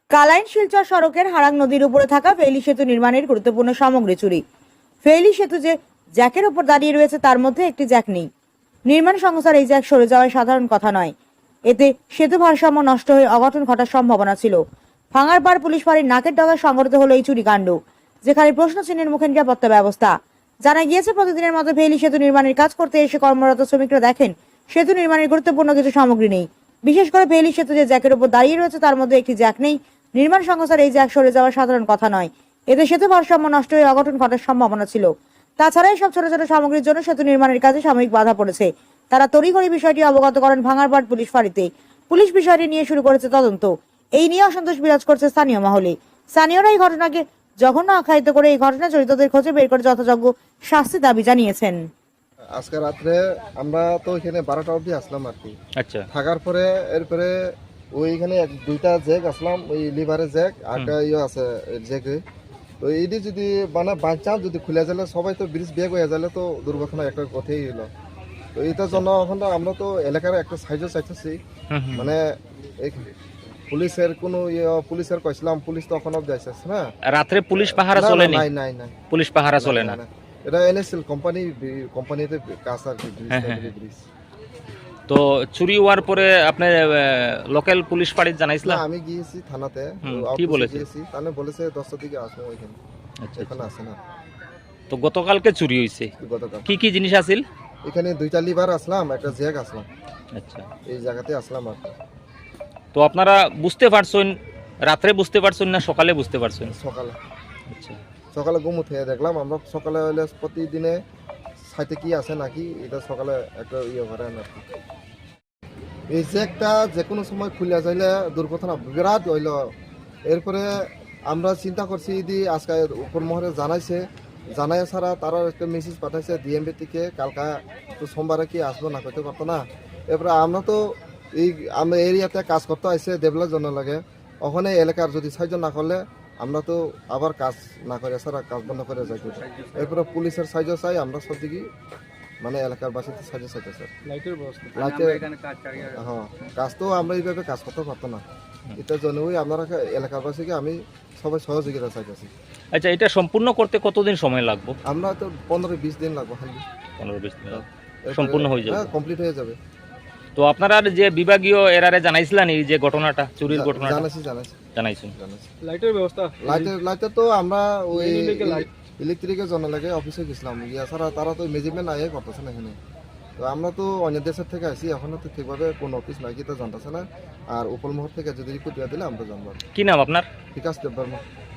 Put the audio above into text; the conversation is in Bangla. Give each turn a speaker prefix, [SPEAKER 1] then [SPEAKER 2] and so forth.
[SPEAKER 1] কালাইন শিলচর সড়কের হারাং নদীর উপরে থাকা ফেইলি সেতু নির্মাণের গুরুত্বপূর্ণ সামগ্রী চুরি। ফেইলি সেতু যে জ্যাকের উপর দাঁড়িয়ে রয়েছে তার মধ্যে একটি জ্যাক নেই। নির্মাণ সংস্থার এই জ্যাক সরে যাওয়ায় সাধারণ কথা নয়, এতে সেতু ভারসাম্য নষ্ট হয়ে অঘটন ঘটার সম্ভাবনা ছিল। ভাঙারপাড় পুলিশ ফাঁড়ির নাকের ডগায় সংঘটিত হলো এই চুরি কাণ্ড, যেখানে প্রশ্ন চিহ্নের মুখে নিরাপত্তা ব্যবস্থা। জানা গিয়েছে, প্রতিদিনের মতো ফেইলি সেতু নির্মাণের কাজ করতে এসে কর্মরত শ্রমিকরা দেখেন সেতু নির্মাণের গুরুত্বপূর্ণ কিছু সামগ্রী নেই। বিশেষ করে ফেইলি সেতু যে জ্যাকের উপর দাঁড়িয়ে রয়েছে তার মধ্যে একটি জ্যাক নেই। নির্মাণ সংস্থার এই জ্যাক সরে যাওয়া সাধারণ কথা নয়, এতে সেতু ভারসাম্য নষ্ট হয়ে অঘটন ঘটার সম্ভাবনা ছিল। তাছাড়া এইসব ছোট ছোট সামগ্রীর জন্য সেতু নির্মাণের কাজে সাময়িক বাধা পড়েছে। তারা তড়িঘড়ি বিষয়টি অবগত করেন ভাঙারপাড় পুলিশ ফাঁড়িতে। পুলিশ বিষয়টি নিয়ে শুরু করেছে তদন্ত। এই নিয়ে অসন্তোষ বিরাজ করছে স্থানীয় মহলে। স্থানীয়রা এই ঘটনাকে জঘন্য আখ্যায়িত করে এই ঘটনা জড়িতদের খোঁজে বের করে যথাযোগ্য শাস্তি দাবি জানিয়েছেন।
[SPEAKER 2] আজকে রাত্রে আমরা তো এখানে 12টা অবধি আসলাম আর কি।
[SPEAKER 3] আচ্ছা,
[SPEAKER 2] থাকার পরে এরপরে ওইখানে দুইটা জ্যাক আসলাম, ওই লিভারের জ্যাক একটা আছে জ্যাকে। তো এইটি যদি মানে বাই চান্স যদি খুলে যালে সবাই তো ব্রিজ বেগ হয়ে যালে তো দুর্ঘটনা একটা কথাই হলো। তো এইটার জন্য এখন তো আমরা তো এলাকার একটা সাইজও চাইতেছি, মানে এই পুলিশের কোনো পুলিশের কইছিলাম, পুলিশ তো এখন অব্দি আসছে না।
[SPEAKER 3] রাত্রে পুলিশ পাহারা চলে
[SPEAKER 2] নাই নাই নাই,
[SPEAKER 3] পুলিশ পাহারা চলে না।
[SPEAKER 2] এটা এনএসএল কোম্পানিতে কাজ আর কি, ব্রিজ।
[SPEAKER 3] তো চুরি হওয়ার পরে আপনি লোকাল পুলিশ ফাঁড়ি জানাইছিলেন?
[SPEAKER 2] না, আমি গিয়েছি থানাতে।
[SPEAKER 3] কি বলেছে?
[SPEAKER 2] তাহলে বলেছে 10টার দিকে আসবো ওইখানে।
[SPEAKER 3] আচ্ছা,
[SPEAKER 2] এখানে আসে না।
[SPEAKER 3] তো গতকালকে চুরি হয়েছে,
[SPEAKER 2] গতকাল
[SPEAKER 3] কি কি জিনিস আছিল?
[SPEAKER 2] এখানে দুইটা লিভার আসলাম, একটা জ্যাক আসলাম,
[SPEAKER 3] আচ্ছা,
[SPEAKER 2] এই জায়গাতে আসলাম আর কি।
[SPEAKER 3] তো আপনারা বুঝতে পারছেন রাত্রে বুঝতে পারছেন না সকালে বুঝতে পারছেন?
[SPEAKER 2] সকালে
[SPEAKER 3] আচ্ছা,
[SPEAKER 2] সকালে ঘুম উঠে দেখলাম আমরা। সকালে হইলে প্রতিদিনে সাইতে কি আছে নাকি, এটা সকালে একটা করেন আর কি। এই জ্যাকটা যে কোনো সময় খুলে যাইলে দুর্ঘটনা বিরাট হইল। এরপরে আমরা চিন্তা করছি যদি আজকে উপর মহলে জানাই ছাড়া তারা একটা মেসেজ পাঠাইছে ডিএমবি থেকে, কালকা তো সোমবারে কি আসবো না করতে পারতো না। এরপরে আমরা তো এই আমরা এরিয়াতে কাজ করতে আসছে ডেভেলপের জন্য লাগে, ওখানে এলাকার যদি সাহায্য না করলে আমরা তো আবার কাজ না করে ছাড়া কাজ বন্ধ করে যাই। এরপরে পুলিশের সাহায্য চাই আমরা সব দিকে, মানে এলাকার বাসীতে সাহায্য চাইতে স্যার। হ্যাঁ, কাজ তো আমরা এইভাবে কাজ করতে পারতো না। এটার জন্যই আপনারা এলাকার বাসীকে আমি সবাই সহযোগিতা চাইতেছি।
[SPEAKER 3] আচ্ছা, এটা সম্পূর্ণ করতে কতদিন সময় লাগবে?
[SPEAKER 2] আমরা তো 15-20 দিন লাগবে,
[SPEAKER 3] 15-20 দিন সম্পূর্ণ হয়ে যাবে?
[SPEAKER 2] কমপ্লিট হয়ে যাবে।
[SPEAKER 3] তো আপনারা যে বিভাগীয় এরারে জানাইছিলেন এই যে ঘটনাটা, চুরির ঘটনাটা? জানাইছেন।
[SPEAKER 2] লাইটের তো আমরা ওই ইলেকট্রিকের জন্য লাগে অফিসে গেছিলাম, ছাড়া তারা তো মেজারমেন্ট আগে করতেছে না এখানে। তো আমরা তো অন্য দেশের থেকে আসি, এখনো তো ঠিকভাবে কোন অফিস নাই কি তো জানতেছে না। আর উপলমহল থেকে যদি রিপোর্ট দিয়ে দিলে আমরা জানবো।
[SPEAKER 3] কি নাম আপনার?
[SPEAKER 2] বিকাশ দেববর্মা।